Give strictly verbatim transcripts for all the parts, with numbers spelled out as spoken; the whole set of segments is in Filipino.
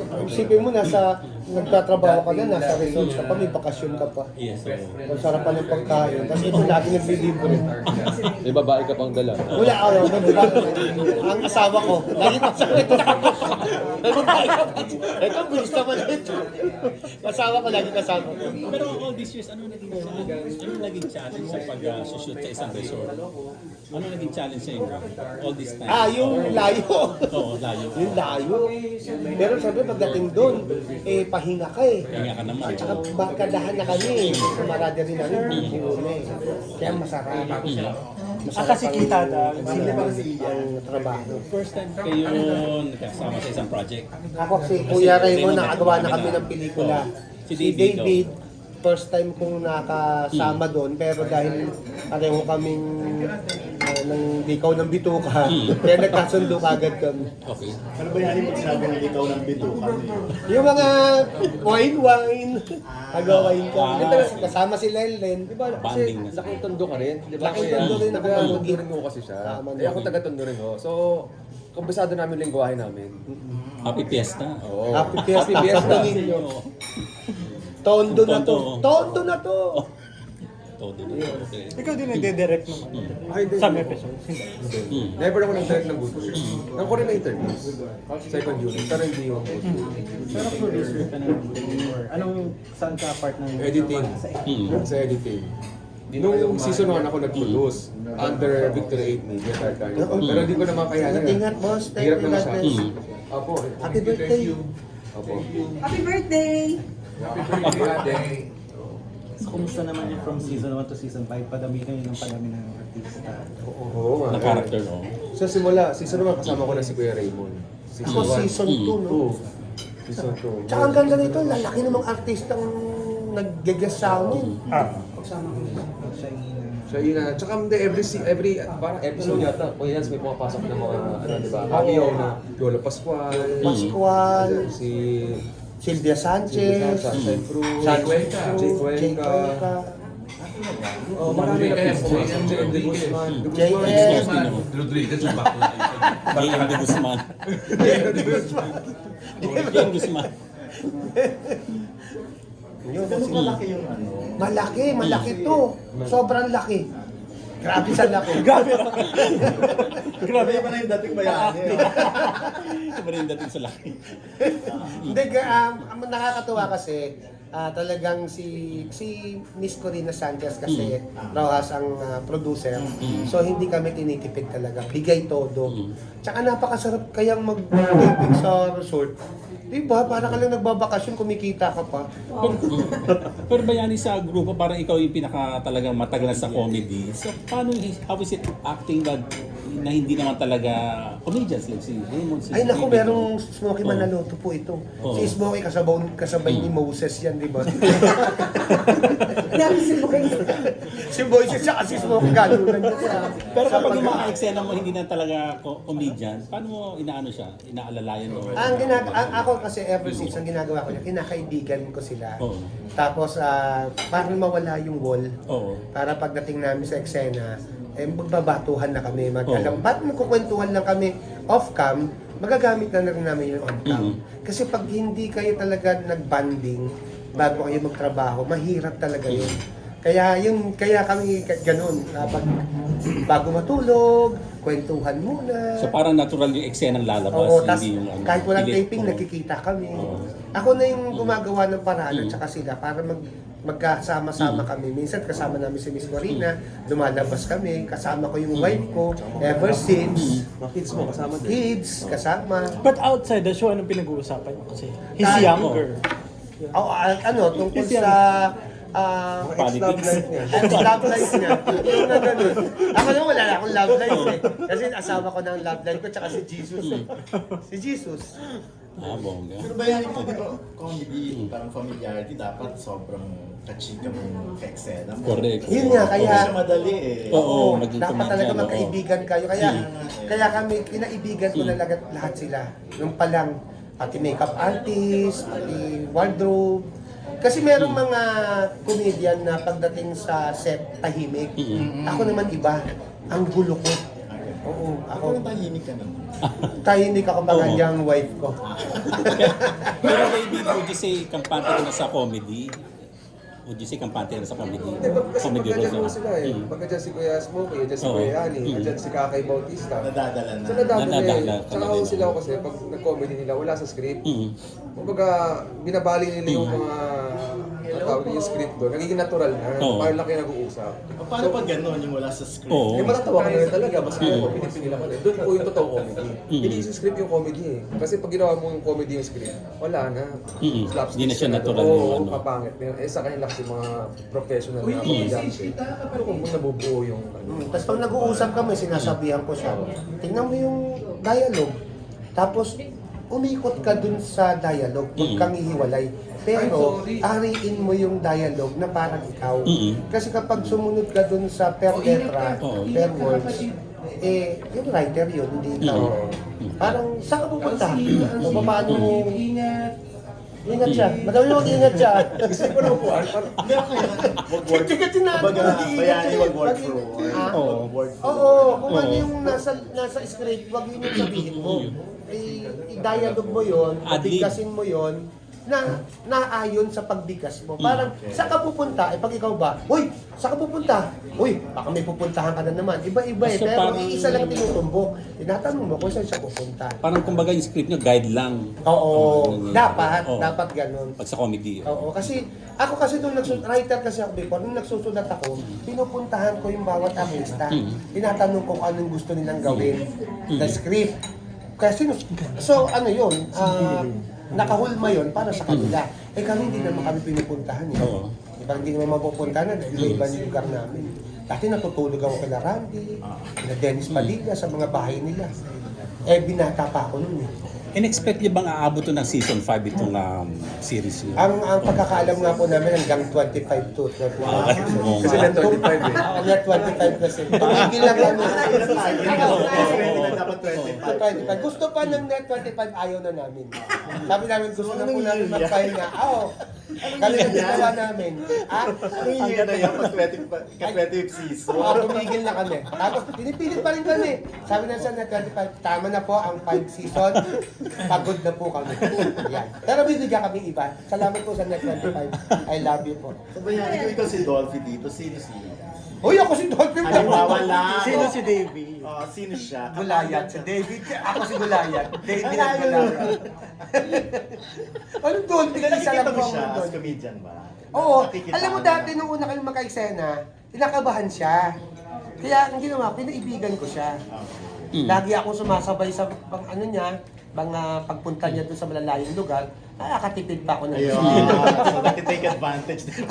Isipin mo, nasa, nagtatrabaho ka na, nasa resort ka pa, may bakasyon ka pa. Yes, oo. Ang sarap pa ng pagkain. Tapos ito, lagi naglilibre. May babae ka pang dala. Wala ako, ang asawa ko, lagi pa sa ito. Ito, bilis naman ito. Asawa ko, lagi kasama ko. Pero all these years, ano naging challenge? Ano naging challenge sa pag-shoot sa isang resort? Ano naging challenge sa inyo? All this time? Ah, yung layo. Oo, layo. Yung layo. Pero sabi, pagdating doon, eh, pahinga ka eh. Kaya ka naman. At saka barkadahan na kami. Kamarada rin namin, hindi una eh. Kaya masarap. Masarap Ah, kasi kita na. ang trabaho. First time kayo nakasama sa isang project. Ako si Kuya Raymond, nakagawa na kami ng pelikula. Si Si David, David, first time kong nakasama doon, pero dahil pareho kaming uh, ng dikaw ng bituka, kaya nagkasundo agad kami. Okay. Ano ba yan yung sinabi ng ikaw ng bituka? Yung mga wine-wine, nagawain kami. Kasama si Lenlen, di ba? Banding na. Laking tondo ka rin. Di ba? Laking Kaya, tondo rin ako. taga-tondo rin mo kasi siya. Tama Eh ako taga-tondo rin ho. So, kumbisado namin yung lingwahe namin. Happy Fiesta. Oo. Happy Fiesta. Happy Fiesta. Happy ninyo. Tondo na to. Tondo na to. Todo na. Okay. Ikaw din nagde-direct ng Ay, hindi. some episodes. Hmm. Never ako nag-direct ng good news. Nang ko rin na interviews. Second unit. Pero hindi yung good news. Pero producer ka na ng or anong saan ka part ng Editing. Hmm. Sa editing. Nung season one ako nag-produce under Victory eight Media Tartar. Pero hindi ko naman kaya na. Ingat, boss. Thank Hirap you, naman God siya. bless. Hmm. Opo. Happy birthday. Opo. Happy birthday! Happy birthday. So, kumusta naman yung from season one to season five? Padami kayo ng padami ng artista. Oo nga. Na character, no? Sa simula, season one kasama ko na si Kuya Raymond. Ako one. season two, no? two. Season two. Tsaka ang ganda nito, lalaki namang artistang nag-guest sa amin. Ah. Siya yung So yun na, tsaka hindi, every, si- every, parang episode yata, o yan, may pumapasok ng mga, ano, di ba, cameo na Lola Pascual, Pascual, si Sylvia Sanchez, Sunshine Cruz, Jay Cuenca, Jay Jay Cuenca, Cuenca, oh, marami na pumasok, J M De Guzman, De J Guzman, M. Rodriguez yung bakla. J M de Guzman. De Guzman. J M Guzman. Yun, Ganun si- kalaki yung ano. Malaki, malaki to. Sobrang laki. Grabe sa laki. Grabe. Grabe pa na yung dating bayani. Iba rin dating sa laki. Hindi, um, ang nakakatuwa kasi, ah, talagang si si Miss Corina Sanchez kasi Rojas ang ah, producer. So hindi kami tinitipid talaga. Bigay todo. Tsaka napakasarap kayang mag-taping sa resort. Di ba? Para ka lang nagbabakasyon, kumikita ka pa. Pero bayani sa grupo, parang ikaw yung pinaka talagang matagal sa comedy. So, paano, how is it acting na, na hindi naman talaga comedians like si Raymond, si Ay naku, David, merong no? Smokey Oo. Manaloto po ito. Oo. Si Smokey kasabay, kasabay ni Moses yan, di ba? Grabe si Boy. Si Moses siya kasi Smokey galunan niya sa... Pero sa kapag yung pag- mga eksena mo hindi na talaga co- comedian, paano mo inaano siya? Inaalalayan mo? Ang ginag ang ako kasi ever since ang ginagawa ko niya, kinakaibigan ko sila. Oo. Tapos ah parang mawala yung wall. Oo. Para pagdating namin sa eksena, eh magbabatuhan na kami. Mag Oo. alam, ba't magkukwentuhan lang kami off-cam, magagamit na rin namin yung on-cam. Mhm. Kasi pag hindi kayo talaga nag-banding bago kayo magtrabaho, mahirap talaga yun. Kaya yung kaya kami ka- ganun, kapag bago matulog, kwentuhan muna. So parang natural yung eksenang lalabas, Oo, tas hindi yung ano, kahit walang pilit. taping, Oo. nakikita kami. Oo. Ako na yung gumagawa ng paraan at Mm. saka sila para mag magkasama-sama kami. Minsan kasama namin si Miss Corina, lumalabas kami, kasama ko yung wife ko, ever since. Mga kids mo kasama din. Kids, kasama. But outside the show, anong pinag-uusapan niyo? Kasi he's Kahit- younger. Oh, ah, ano, tungkol Yes, sa ah, Mga ex-love life niya. Ang love life niya. Yung na ganun. Ako naman wala na akong love life eh. Kasi asawa ko ng love life ko tsaka si Jesus eh. Si Jesus. Ah, bongga. Pero bayani po, di ba, comedy, parang familiarity, dapat sobrang kachika mo sa eksena mo. Correct. Yun nga, Hindi kaya siya madali eh. Oo, maging dapat comedian, talaga oo. magkaibigan kayo. Kaya Mm. kaya kami, kinaibigan ko na lahat, lahat sila. Nung palang, pati makeup artist, pati wardrobe. Kasi merong mga comedian na pagdating sa set, tahimik. Mm-hmm. Ako naman iba, ang gulo ko. Oo, Ako, ako, Ako tahimik ka naman. tahimik ako pa Oo. kanyang wife ko. Pero David, would you say kampante ka na sa comedy? Would you say kampante ka na sa comedy? Hindi, pag, kasi Comedy pagka dyan roles po na. sila eh. Mm. Pagka dyan si Kuya Smokey, dyan si Oo. Kuya Yani, Mm. dyan si Kakay Bautista. Nadadala na. So nadadala Nadadala eh. ka Tsaka na ako din. sila kasi pag nag-comedy nila, wala sa script. Mm. Kumbaga, binabali nila yung mga ang tawag yung script doon. Nagiging natural na. Oo. Parang lang kayo nag-uusap. O, paano pag gano'n yung wala sa script? Oo. Eh, matatawa ka na rin talaga. Mas kaya mo, pinipigil ako na. Doon po yung totoong comedy. Mm. Hindi sa script yung comedy eh. Kasi pag ginawa mo yung comedy yung script, wala na. Mm. Slapstick Hindi na siya ka natural Oo, yung ano. kapangit. Eh, sa kanila kasi mga professional na komedyante. Pero kung nabubuo yung ano. Hmm. Tapos pag nag-uusap kami, sinasabihan ko siya, tingnan mo yung dialogue. Tapos, umikot ka dun sa dialogue, huwag Mm. kang ihiwalay. Pero, ariin mo yung dialogue na parang ikaw. Mm. Kasi kapag sumunod ka dun sa per letra, Oo. per words, eh, yung writer yun, hindi ikaw. Mm. Parang, saan ka pupunta? O paano mo? Ingat siya. Madami mo ingat siya. Gusto ko na upuan. Parang, Hindi ako yun. Wag word. Kasi kasi na- Kumbaga, mag-iingat bayani, siya. wag word Mag- for word. Ah? Oo. Wag word for Oo, kung ano Oo. yung nasa nasa script, wag yun yung sabihin mo. I- I-dialogue mo yun, Ad-lib. pabigkasin mo yun, na naayon sa pagbigas mo. Parang, saan ka pupunta? Eh, pag ikaw ba, Uy, saan ka pupunta? Uy, baka may pupuntahan ka na naman. Iba-iba eh, So, pero parang- iisa lang tinutumbok. Tinatanong mo kung saan siya pupunta. Parang kumbaga yung script nyo, guide lang. Oo, Oo. dapat, Oo. dapat ganun. Pag sa comedy. Oo, kasi ako kasi nung nagsusulat, writer kasi ako before, nung nagsusulat ako, pinupuntahan ko yung bawat artista. Mm. Tinatanong ko kung anong gusto nilang gawin, the script. Kasi, so ano yun, ah, nakahulma yun para sa kanila. Eh kami hindi naman kami pinupuntahan eh. Oo. Diba, hindi naman mapupuntahan na dahil iba yung lugar namin. Dati natutulog ako kila Randy, kila Dennis Padilla sa mga bahay nila. Eh binata pa ako nun eh. In-expect niyo bang aabot to ng season five itong um, series niyo? Ang ang pagkakaalam nga po namin hanggang twenty-five to Ah, thirty-five. oo. kasi na twenty-five eh. Ako na twenty-five kasi. Tumigil lang kami. Hindi na dapat To twenty-five. twenty-five. Gusto pa ng net twenty-five, ayaw na namin. Sabi namin gusto na po namin mag-file nga. Oo. Kami na ginawa namin. Ah, Anong year na yan? Pag twenty-five ka-twentieth season. Oo, tumigil na kami. Tapos pinipilit pa rin kami. Sabi na sa net twenty-five, tama na po ang five season. Pagod na po kami. Yan. Pero bibigyan kami iba. Salamat po sa net twenty-five. I love you po. So, bayani ko ikaw si Dolphy dito. Sino si... Uy, ako si Dolphin. Halimbawa lang. Sino si Davey? Oh, sino siya? Gulayat. Si David. Ako si Gulayat. David at Gulayat. Anong Dolphin? Isa lang Nakikita po mo siya ang as Dolphin. comedian ba? Oo. Nakikita Alam mo mo dati na. nung una kami magka-eksena, kinakabahan siya. Kaya ang ginawa, pinaibigan ko siya. Mm. Lagi ako sumasabay sa pang ano niya, pang ah, pagpunta niya doon sa malalayong lugar, nakakatipid pa ako ng Ayun. So, nakitake advantage din.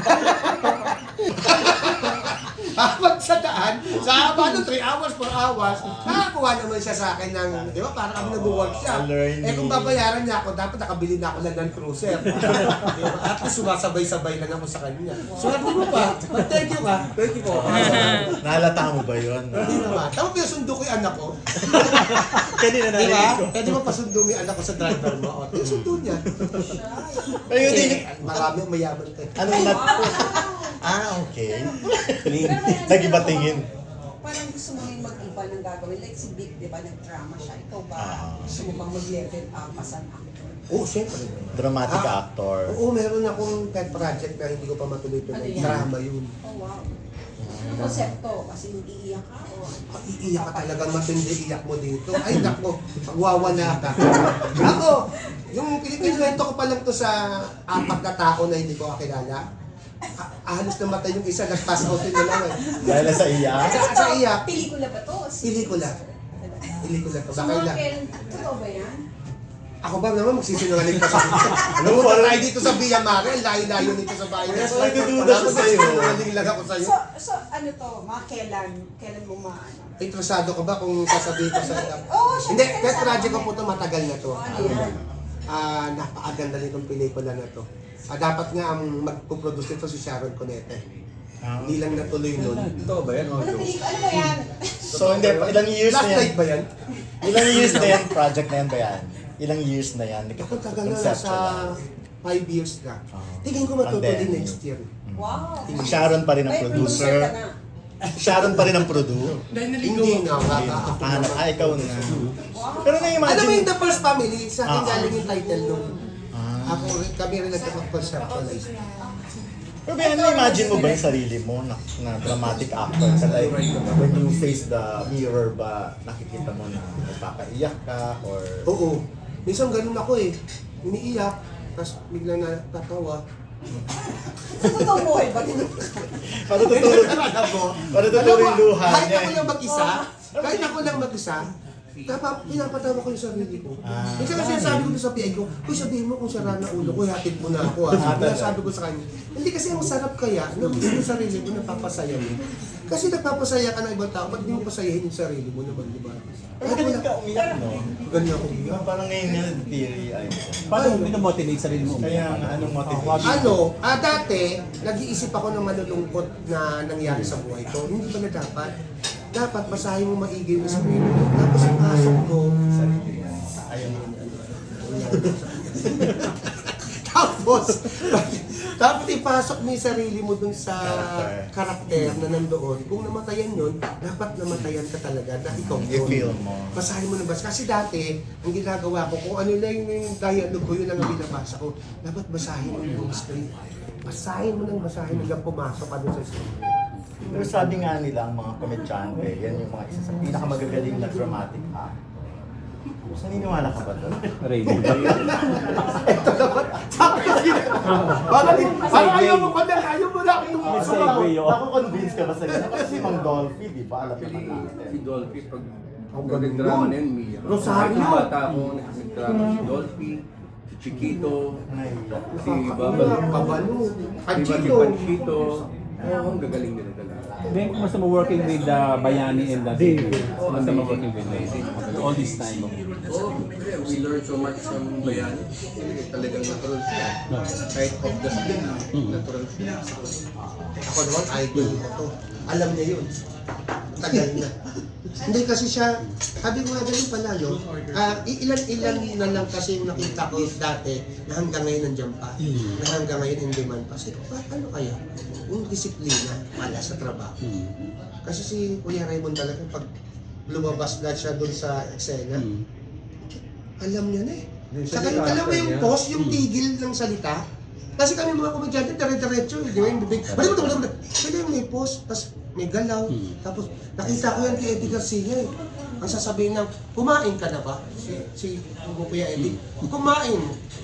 Habang sa daan, sa haba ng three hours, four hours, nakakuha naman siya sa akin ng, di ba, parang kami nag-workshop. learning. Eh kung babayaran niya ako, dapat nakabili na ako ng Land Cruiser. Di ba? At least sumasabay-sabay lang ako sa kanya. Swerte mo pa. But thank you ka. Thank you po. Nalata mo ba yun? Hindi naman. Tama pinasundo ko yung anak ko. Kanina Di ba? Pwede mo pasundo mo yung anak ko sa driver mo. O, pinasundo niya. Ayun, Eh, di- marami ang mayaman tayo. Anong nat... Ah, okay. Pero may ano Nag-iba ka, tingin. Parang gusto mo yung mag-iba ng gagawin. Like si Vic, di ba, nag-drama siya. Ikaw ba, Ah. gusto mo bang mag-level up as an actor? Oo, siyempre. Dramatic Ah, actor. Oo, meron akong pet project na hindi ko pa matuloy-tuloy. Ano yan? Drama yun. Oh, wow. Ano konsepto? Kasi iiyak ka o... Ah, iiyak ka talagang matindi iyak mo dito. Ay, nako, magwawala ka. Ako, yung kinikwento ko pa lang to sa apat na tao na hindi ko kakilala. Ah, halos namatay yung isa, nag-pass out din na lang eh. Dahil sa iya. Sa, sa iyak, Pelikula ba to? pelikula. Pelikula to. So, Baka mga ilang. kailan, totoo ba yan? Ako ba naman magsisinungaling pa sa Alam mo, tayo dito sa Villa Mare, ang layo-layo nito sa bahay. Yes, nagdududa siya sa'yo. Magsisinungaling lang ako sa'yo. So, so ano to? Mga kailan? Kailan mo maano? Interesado ka ba kung sasabihin ko sa Oo, Hindi, syempre, pet sabi project ko ko. po ito matagal na to. Ano yan? Ah, napakaganda nitong pelikula na to. Ah, dapat nga ang magpo-produce nito si Sharon Cunete. Ah. Hindi lang natuloy nun. Totoo ba yan? Mga Ano jokes? pelikula? Ano ba yan? So, hindi. Ilang years Last na yan? night ba yan? Ilang years na yan? Project na yan ba yan? Ilang years na yan? Ako tagal na, Conceptual. sa five years na. Ah. Tingin ko matutuloy Pandemic. next year. Wow. Si Sharon pa rin ang May producer. ka na. Sharon pa rin ang produ. Hindi na, baka ako Hanap, naman. ah, ikaw na. Pero Alam mo na-imagine, yung The First Family, sa akin Ah. galing yung title nung Ah. ako, kami rin nagkakapag-conceptualize. pero ba, na-imagine mo ba yung sarili mo na, na dramatic actor ka? Like, when you face the mirror ba, nakikita mo na nagpapaiyak ka or... Oo. Minsan ganun ako eh. Iniiyak, tapos bigla na tatawa. Sa totoong buhay ba? Ganun? Paano tuturo, Alam mo? paano tuturo yung luha Kahit niya? ako lang mag-isa, kahit ako lang mag-isa, dapat pinapatawa ko yung sarili ko. Ah. Minsan kasi sinasabi ko doon sa P I ko, Uy, sabihin mo kung sara na ulo ko, hatid mo na ako. Ah. Kaya sabi ko sa kanya, hindi kasi ang sarap kaya na mismo yung sarili mo napapasaya mo. Kasi nagpapasaya ka ng ibang tao, ba't di mo pasayahin yung sarili mo naman, di ba? Pero ganun ka umiyak, no? Ganyan ako umiyak. Diba, parang ngayon nga, theory ay. Paano mo binamotivate sarili mo? Kaya nga, anong motivation? Ano, ah, dati, nag-iisip ako ng malulungkot na nangyari sa buhay ko. Hindi ba na dapat? Dapat basahin mo maigi yung sarili mo. Tapos ipasok mo. Ayun. Tapos, dapat ipasok mo yung sarili mo dun sa karakter na nandoon. Kung namatayan yun, dapat namatayan ka talaga na ikaw I-feel yun. mo. Basahin mo na bas. Kasi dati, ang ginagawa ko, kung ano lang yung dialogue ko, yun lang ang binabasa ko. Dapat basahin mo yung script. Basahin mo nang basahin hanggang pumasok ka dun sa script. Pero sabi nga nila ang mga komedyante, yan yung mga isa sa pinakamagagaling na dramatic act. Naniniwala ka ba doon? Ready ba yun? Ito naman. Sabi ko sila. Bakit? Parang ayaw mo pa na, ayaw mo na akong May segue yun. Naku-convince ka ba sa ganun? Kasi si Mang Dolphy, di ba? Alam naman natin. Si Dolphy, pag Ang pag galing nagdrama nun. na yun, umiiyak. Rosario. Kahit yung bata ako, nagdrama si Dolphy, si Chiquito, Naiiyak. si Babalo, Babalo. si Panchito. Panchito. Oo, ang gagaling nila talaga. Then, kumusta mo working with the Bayani and the David? Kumusta mo working with them? All this time. Oo, yeah, we learned so much from Bayani. Talagang natural siya. Kahit off the screen, natural siya. Ako naman, idol ko to. Alam niya yun. Tagal na. Hindi kasi siya, sabi ko nga ganun pala, no? Ah, ilan-ilan na lang kasi yung nakita ko dati na hanggang ngayon nandiyan pa. Na hanggang ngayon in demand pa. Kasi pa, ano kaya? Yung disiplina pala sa trabaho. Kasi si Kuya Raymond talaga, pag lumabas na siya dun sa eksena, alam niya na eh. Saka yung, alam mo yung pause, yung tigil ng salita. Kasi kami mga komedyante, dire-diretso, di ba yung bibig. Balik mo ito, balik mo ito. Pwede yung may pause, tapos may galaw. Tapos nakita ko yan kay Eddie Garcia eh. Ang sasabihin ng, kumain ka na ba? Si, si Kuya Eddie, kumain.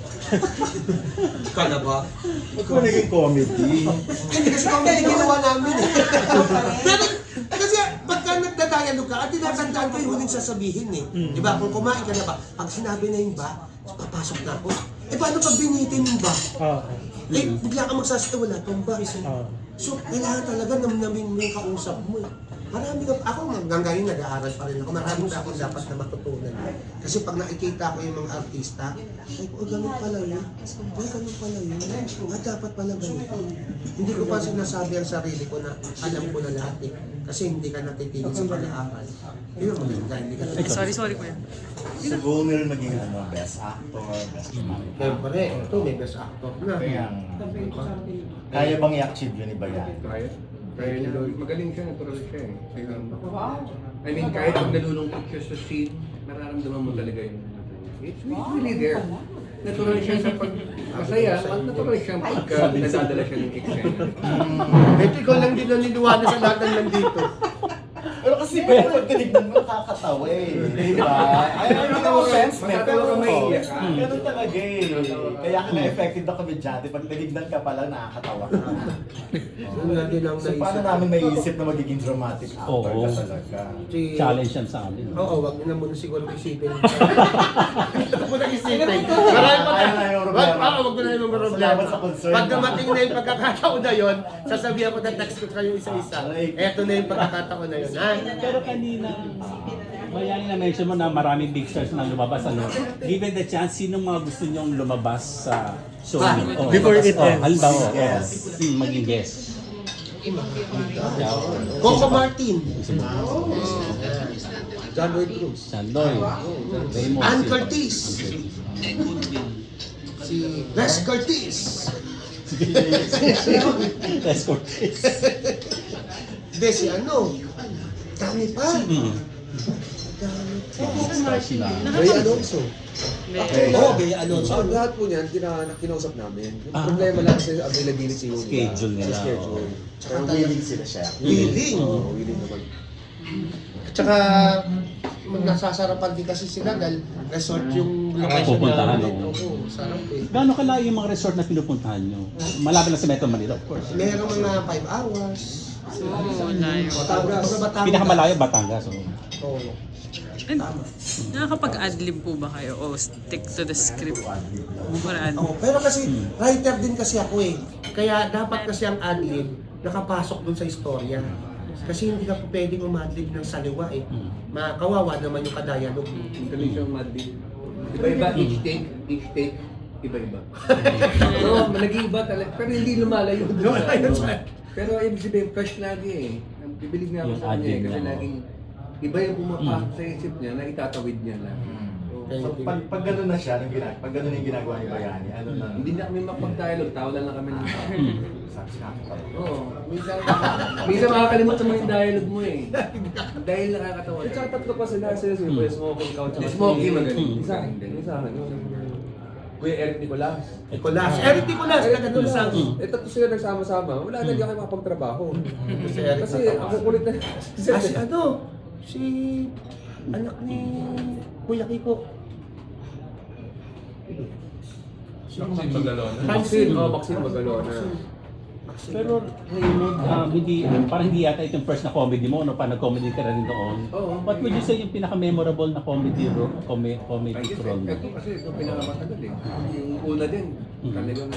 Ka na ba? Huwag ko naging comedy. Hindi kasi kami ginawa namin eh. Pero, kasi pagka nagdadialog ka, at tinatandaan ko yung huling sasabihin eh. Di ba? Kung kumain ka na ba, pag sinabi na yung ba, papasok na ako. Eh paano pag binitin yung ba? Ah. Eh, bigla ka magsasabi, wala pang ba? Ah. So, kailangan talaga namnamin mo yung kausap mo eh. Marami ka, ako hanggang ngayon nag-aaral pa rin ako. Marami pa akong dapat na matutunan. Kasi pag nakikita ko yung mga artista, ay, oh, ganun pala yun. Ay, ganun pala yun. Ah, dapat pala ganito. Hindi ko pa sinasabi ang sarili ko na alam ko na lahat eh. Kasi hindi ka natitigil sa pag-aaral. Yun ang maganda, hindi ka natitigil. Sorry, sorry kuya. So, goal nila maging ano, best actor, best dramatic actor. Siyempre, ito may best actor na. Kaya, kaya bang i-achieve yun ni Bayan? Kaya? Kaya niya, magaling siya, natural siya eh. Kaya, I mean, kahit pag nalulungkot siya sa scene, nararamdaman mo talaga yun. It's really there. Natural siya sa pag masaya, at natural siya pagka nadadala siya ng eksena. Ito ikaw lang din naniniwala sa lahat ng nandito. Pero kasi pero pag tinignan mo, nakakatawa eh. Di ba? Ay, ay, no offense, man. Pero Matatawa ka, maiiyak ka. ganun talaga eh. Kaya ka na-effective na komedyante. Pag tinignan ka pala, nakakatawa ka. Yun na din ang So, paano naisip. namin maiisip na magiging dramatic actor Oo. ka talaga? Si- Challenge yan sa amin. Oo, wag niyo na muna siguro isipin. Wag mo na isipin. Marami pa Ayaw na yung problema. Wag, ah, wag mo na yung problema. Salamat sa concern. Pag dumating na yung pagkakataon na yun, sasabihan ko na text ko kayo isa-isa. Eto na yung pagkakataon na yun, ha? Pero kanina, Bayani na mention mo na maraming big stars na lumabas. Ano? Given the chance, sino mga gusto nyong lumabas sa show Ah, niyo? Oh, before it oh, ends. halimbawa, Yes. hmm, maging guest. Coco Martin. John Lloyd Cruz. Sandoy. Raymond. Ann si- Curtis. Si Les Curtis. Les Cortez. Hindi, si ano. Dami pa. Mm. Stars na. Ray Alonso. Okay. Oo, Ray Alonso. Ang lahat po niyan, kina, kinausap namin. Yung Ah. problema lang sa availability nila. Schedule nila, Sa schedule. Pero willing sila siya. Willing. Oo, willing naman. At saka, nasasarapan din kasi sila dahil resort yung location Pupuntahan, namin. oo. Oo, sarap eh. Gaano kalayo yung mga resort na pinupuntahan nyo? Malapit lang sa Metro Manila, of course. Meron mga five hours. Oo, layo. Batangas. Mga Batangas. Pinakamalayo, Batangas. Oh. Oo. And, nakakapag-adlib po ba kayo o stick to the script? Or ad- Oo, pero kasi writer din kasi ako eh. Kaya dapat kasi ang adlib nakapasok dun sa istorya. Kasi hindi ka po pwedeng umadlib ng saliwa eh. Makawawa naman yung kadialog. Galing siyang madli. Iba-iba, each take, each take, iba-iba. So, nag-iiba talaga, pero hindi lumalayo doon sa Lumalayo ano. sa- Pero ibig sabihin, fresh lagi eh. Bibilig nga ako Yung sa kanya eh, adlib kasi niya, laging iba yung pumapasok sa isip niya na itatawid niya lang. So, pag, pag gano'n na siya, yung ginag pag gano'n yung ginagawa ni Bayani, ano na? Hindi na kami mapag-dialogue, tawa lang kami ng tao. Sabi siya, Oo, minsan, minsan makakalimutan mo yung dialogue mo eh. Dahil nakakatawa. At saka tatlo pa sila, sila sila, Kuya Smokey, Couch. Si Smokey magaling. Isa, isa, ano, Kuya Eric Nicolas. Nicolas. Eric Nicolas, taga dun sa... Eh, tatlo sila nagsama-sama, wala na, di ako makapagtrabaho. Si Eric Kasi Nicolas. ako kulit na. Ah, si ano? Si... Anak ni... Kuya Kiko. Maxine Magalona. Maxine, oh, Maxine Magalona. Pero Raymond, um, hindi, parang hindi yata itong first na comedy mo, no? Pa nag-comedy ka na rin noon. Oo. What would you say yung pinaka-memorable na comedy role, com- comedy Ay, role mo? ito kasi ito pinakamatagal eh. Yung una din, talagang...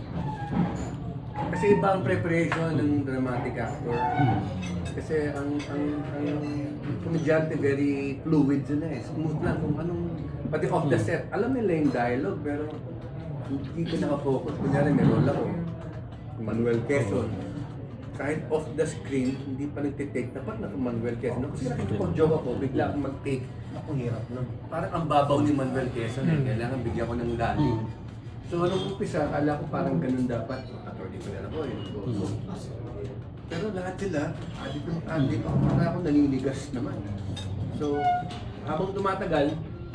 Kasi iba ang preparation ng dramatic actor. Kasi ang ang ang komedyante very fluid sila eh. Smooth lang kung anong, pati off the set. Alam nila yung dialogue pero hindi ko nakafocus. Kunyari may role ako. Manuel Quezon. Kahit off the screen, hindi pa nagtitake. Dapat na Manuel Quezon. Kasi nakikipag-joke ako, bigla akong mag-take. Ang hirap nun. Parang ang babaw ni Manuel Quezon eh. Kailangan bigyan ko ng lalim. So, nung umpisa, akala ko parang ganun dapat. Attorney ko na ako eh. So, pero lahat sila, adik ng adik ako, para ako naninigas naman. So, habang tumatagal,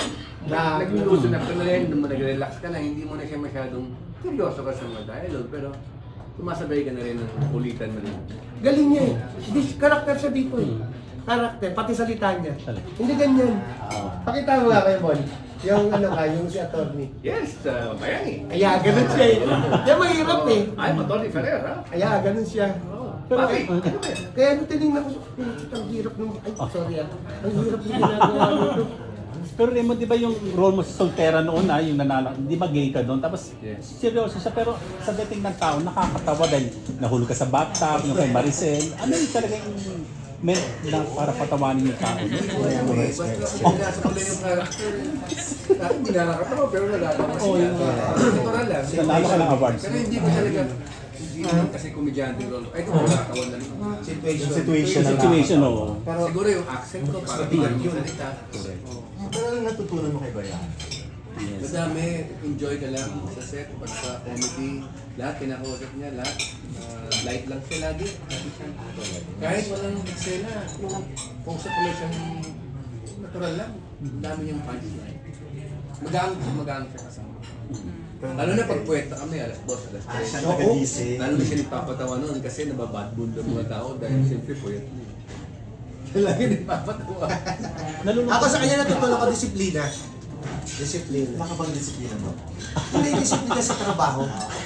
na, naging loosen up ka na rin, nung nag-relax ka na, hindi mo na siya masyadong seryoso ka sa mga dialogue, pero sumasabay ka na rin ng kulitan mo rin. Galing niya eh. Hindi, karakter siya dito eh. Karakter, pati salita niya. Hindi ganyan. Pakita mo nga kayo, Bon. Yung ano ka, yung si attorney. Yes, uh, bayani. Kaya ganun siya eh. Yan mahirap eh. Ay, Atty. Ferrer, ha? Kaya ganun siya. Pero, Bakit? Ano ba yan? Kaya nung tinignan ko, ang hirap nung... Ay, sorry ah. Ang hirap nung ginagawa nito. pero Raymond, di ba yung role mo sa Soltera noon na, yung nanala, di ba gay ka doon? Tapos, seryoso siya, pero sa dating ng tao, nakakatawa dahil nahulog ka sa bathtub, yung kay Maricel. Ano yung talagang meant na para patawanin yung tao? Basta sinasa ko lang yung character. Ah, Hindi na nakatawa, pero nagagawa Oo, siya. yun. Natural lang. Nanalo ka ng awards. Pero hindi ko talaga, hindi naman kasi komedyante role. Ay, ito, nakatawa na rin. Yung situation na Situation, oo. Pero, Siguro yung accent ko, para di ganun yung salita. pero anong natutunan mo kay Bayani? Madami, enjoy ka lang sa set, pagka comedy, lahat kinakausap niya, lahat. Ah, light lang siya lagi. Lagi siya. Kahit walang eksena, yung kausap ko lang siyang natural lang. Ang dami niyang punchline. Magaan siya, magaan siya kasama. Lalo na pag puweta kami, alas dos, alas Ah, siya tres. nag-gising. Lalo na siya nagpapatawa noon kasi nababad mood ng mga tao dahil siyempre puwet niya. Siya lagi nagpapatawa. Ako sa kanya natutunan ko disiplina. Disiplina. Nakabang disiplina mo? Hindi disiplina sa trabaho.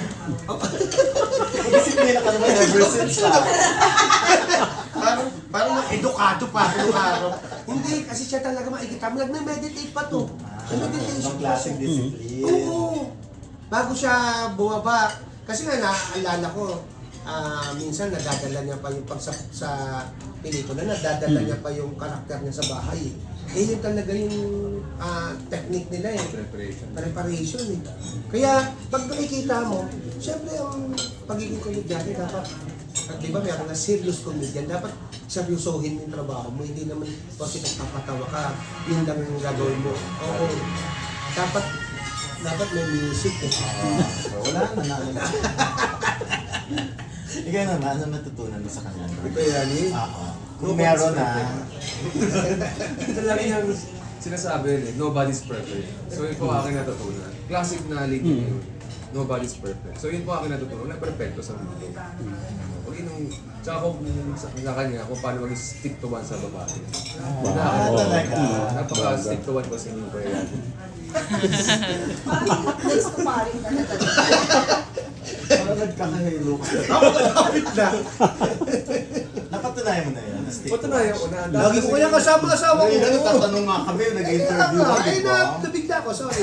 Disiplina ka naman ever since ah. Parang, parang edukado pa nung araw. Hindi, kasi siya talaga makikita mo. Nagme-meditate pa to. Sa meditation. Ibang klaseng discipline. Oo. Bago siya bumaba. Kasi nga naaalala ko, ah, minsan nadadala niya pa yung pag sa, sa pelikula, nadadala niya pa yung karakter niya sa bahay. Eh yun talaga yung ah, technique nila eh. Preparation. Preparation eh. Kaya pag nakikita mo, syempre ang pagiging komedyante dapat, at di ba meron na serious comedian, dapat seryosohin yung trabaho mo. Hindi naman kasi nagpapatawa ka, yun lang yung gagawin mo. Oo. Dapat, dapat may music eh. So, wala na na. Ikaw naman, ano natutunan mo sa kanya? Kaya ni, Oo. Kung meron na, Ito lagi niyang sinasabi yun eh, nobody's perfect. So yun po aking natutunan. Classic na lady na yun. Nobody's perfect. So yun po aking natutunan. Wala perfecto sa mundo. Huwag yun, tsaka kung sa, sa kanya, kung paano mag-stick to one sa babae. ah, talaga. Napaka-stick to one kasi yung kaya yan. Parang place to paring ka na talaga. Parang nagkakahilo ka. Ako nakapit na. Napatunayan mo na yun. Stay Patunayan ko na. Lagi ko kaya kasama asawa ko. Ngayon, nagtatanong nga kami, Kaya nag-interview nga, ka, ay di na, ba? nabigla ko, sorry.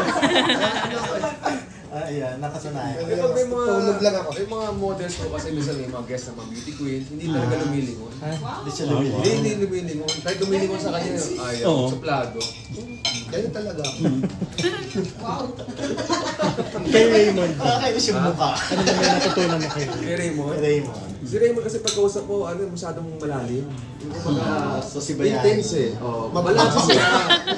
Ah, ayan, nakatunayan. Eh, pag may mga, Tulog lang ako. May mga models ko kasi minsan may mga guest na mga beauty queen, hindi talaga lumilingon. Hindi siya Ah, lumili. Hindi, hindi lumilingon. Kahit lumilingon sa kanya, ayaw, Oo. suplado. Ganyan talaga ako. Kay Raymond, Nakakainis yung mukha. ano naman yung natutunan mo kay Kay Raymond. Raymond. Si Raymond kasi pagkausap ko, ano, masyadong malalim. Yung kumbaga, So, si Bayani. intense eh. Oh, Mabalas malalim siya.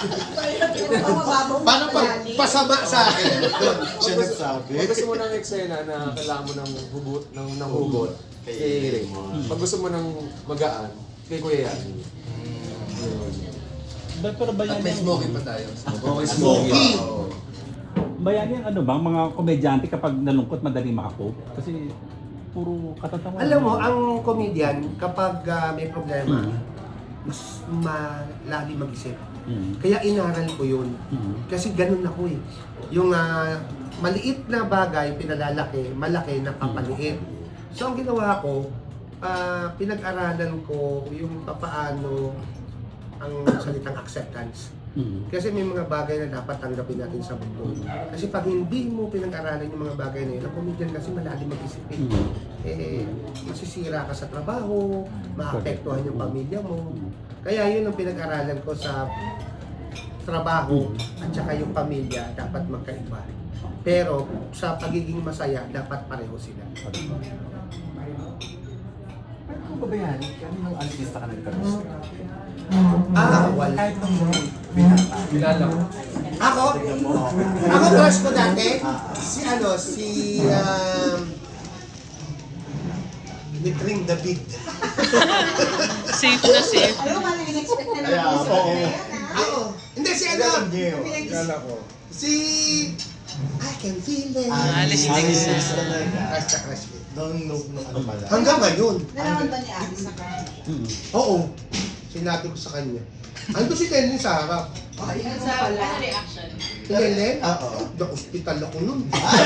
Paano pag pasama sa akin? Siya nagsabi. Pag gusto mo ng eksena na kailangan mo ng hugot, ng, ng hugot, kay Raymond. Pag gusto mo ng magaan, kay Kuya Yan. Ba- Pero At bayani may yan, smoking pa tayo. Okay, Smoking! Oo. bayani yan, ano bang mga komedyante kapag nalungkot madali makakope? Kasi puro katatawa. Alam mo, ang comedian, kapag ah, may problema, mas malalim mag-isip. Mm. Kaya inaral ko yun. Mm. Kasi ganun ako eh. Yung ah, maliit na bagay, pinalalaki, malaki na papaliit. So ang ginawa ko, ah, pinag-aralan ko yung papaano ang salitang acceptance. Mm. Kasi may mga bagay na dapat tanggapin natin sa mundo. Kasi pag hindi mo pinag-aralan yung mga bagay na yun, ang comedian kasi malalim mag-isip eh. Mm. Eh, masisira ka sa trabaho, maapektuhan yung pamilya mo. Kaya yun ang pinag-aralan ko sa trabaho at saka yung pamilya dapat magkaiba. Pero sa pagiging masaya, dapat pareho sila. Pero kung babayani, kami nung artista ka nagkaroon. Ah, wala. Kahit nung binata. Kilala ko. Ako? Tignan mo. Ako crush ko dati, si ano, si um, ni Tring David. Safe na safe. Alam mo, parang in-expect na Kaya, naman sa oo. kanya. Ako, hindi si ano, Alam niyo. Kilala ko. si I can feel it. Alice Dixon. Alice talaga. Crush na crush ko. Nung, nung, nung ano pala. Hanggang ngayon. Nalaman ba ni Alice na ka? Oo. Sinabi ko sa kanya. Ando si Lenlen sa harap. Oh, yun sa pala. Si Lenlen? Oo. Na-hospital ako nun.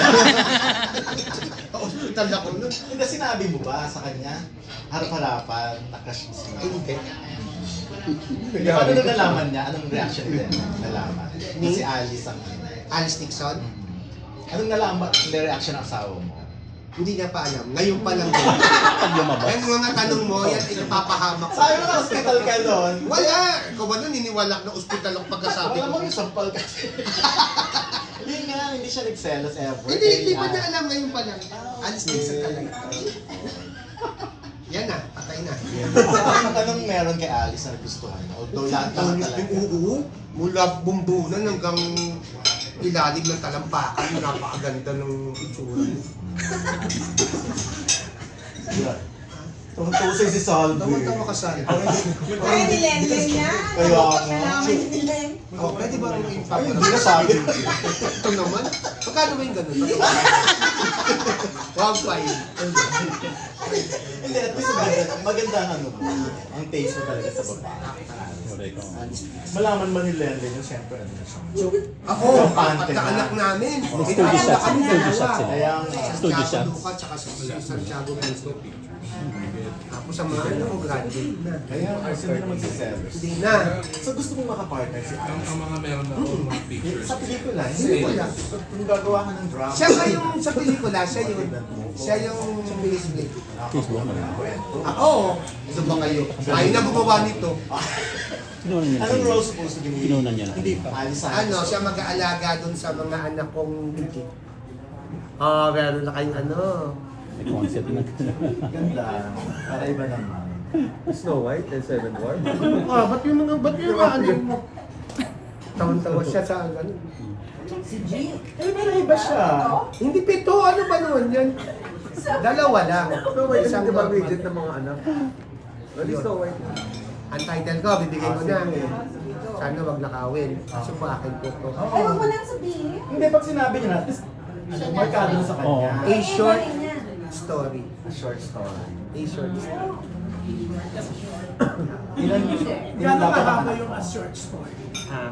Na-hospital ako nun. Hindi, sinabi mo ba sa kanya? Harap-harapan, nakrush mo siya. Hindi. Paano nung nalaman niya? Anong reaction niya? Nalaman. Ni? Si Alice ang... Alice Nixon? Anong nalaman? Hindi reaction ng asawa mo? Hindi niya pa alam. Ngayon pa lang din. Pag lumabas. Yung mga tanong mo, yan inapapahamak ko. Sabi mo na hospital ka doon. Wala! Ikaw ba nun niniwala na ospital ako pagkasabi Wala ko? mo yung sampal kasi. Yun nga, hindi siya nagselos ever. Hindi, hindi Kaya, pa niya alam ngayon pa lang. Alice Nixon talaga. Yan na, patay na. Anong, anong meron kay Alice na nagustuhan? Although lahat lahat talaga. Oo, mula bumbunan hanggang ilalim ng talampakan, napakaganda ng itsura. Yun. Tumusay si Salvi. Tawa-tawa ka sana. Kaya ni Lenlen niya. Kaya nga. Kailangan ni Lenlen. Oh, pwede ba ang Ay, impact? hindi na sabi. Ito naman. Magkano ba yung ganun? Wow, fine. Hindi, at least maganda, maganda ang ano mo. Ang taste mo talaga sa babae. Correct. Malaman man ni Lenlen yung siyempre ano na siya. Ako, Yung pante pagkaanak na. namin. Studio Kami shots. kami Studio dalawa. shots sila. Kaya nga. Studio Santiago shots. Luca, tsaka si Santiago Cristo. Tapos ang mga ano ko, graduate na. Kaya nga, sila na magsiselos. Hindi na. So gusto mong makapartner si Ang, Alice? ang mga meron ako, mga pictures. Sa pelikula, Hindi hindi wala. So, kung gagawa ka ng drama. Siya ba yung sa pelikula, siya yun. Siya yung Paisley. Facebook mo na kwento. Ako, ito ba kayo? Ay na gumawa nito. Kinunan niya na Anong sa'yo. role supposed to be ni Kinunan niya na. Hindi pa. Alice Sanchez? Ano, siya mag-aalaga dun sa mga anak kong legit. Oh, meron na kayong ano. May concept na. Ganda. Para iba naman. Snow White and Seven Dwarfs. Ah, ba't yung mga, ba't yung mga ano mo? Tawan-tawa siya sa ano. Si Jill. Eh, pero iba siya. Hindi pito, ano ba naman yan? Dalawa lang. So, wait, Isang hindi ba normal. rigid ng mga anak? At least, so, wait. Ang title ko, bibigay ko na. Sana wag nakawin. Kaso pa akin po to. Ay, wag mo lang sabihin. Hindi, pag sinabi niya na, at least, ano, markado na sa kanya. A short story. A short story. A short story. Ilan, ilan dapat ang yung a short story? Ah.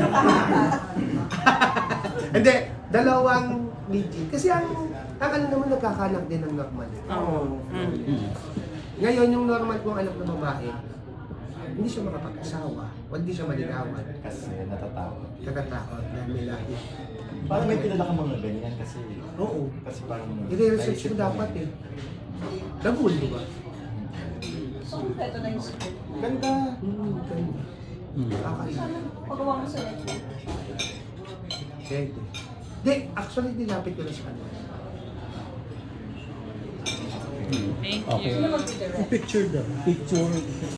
Hindi, dalawang legit. Kasi ang, ang ano naman nagkakanak din ng normal. Oo. Mm. Ngayon, yung normal kong anak na babae, hindi siya makapag-asawa. O hindi siya maligawan. Kasi natatakot. Kakatakot dahil may lahi. Parang may kilala ka mga ganyan kasi. Oo. Kasi parang... I-research mo dapat eh. Nabul, di ba? So, kompleto na yung script. Ganda. Hmm, ganda. Nakakaiba. Pagawa mo sa Netflix. Pwede. Di, actually, dinapit ko na sa kanya. Thank Okay. you. Sino mag-direct? Picture daw. Picture.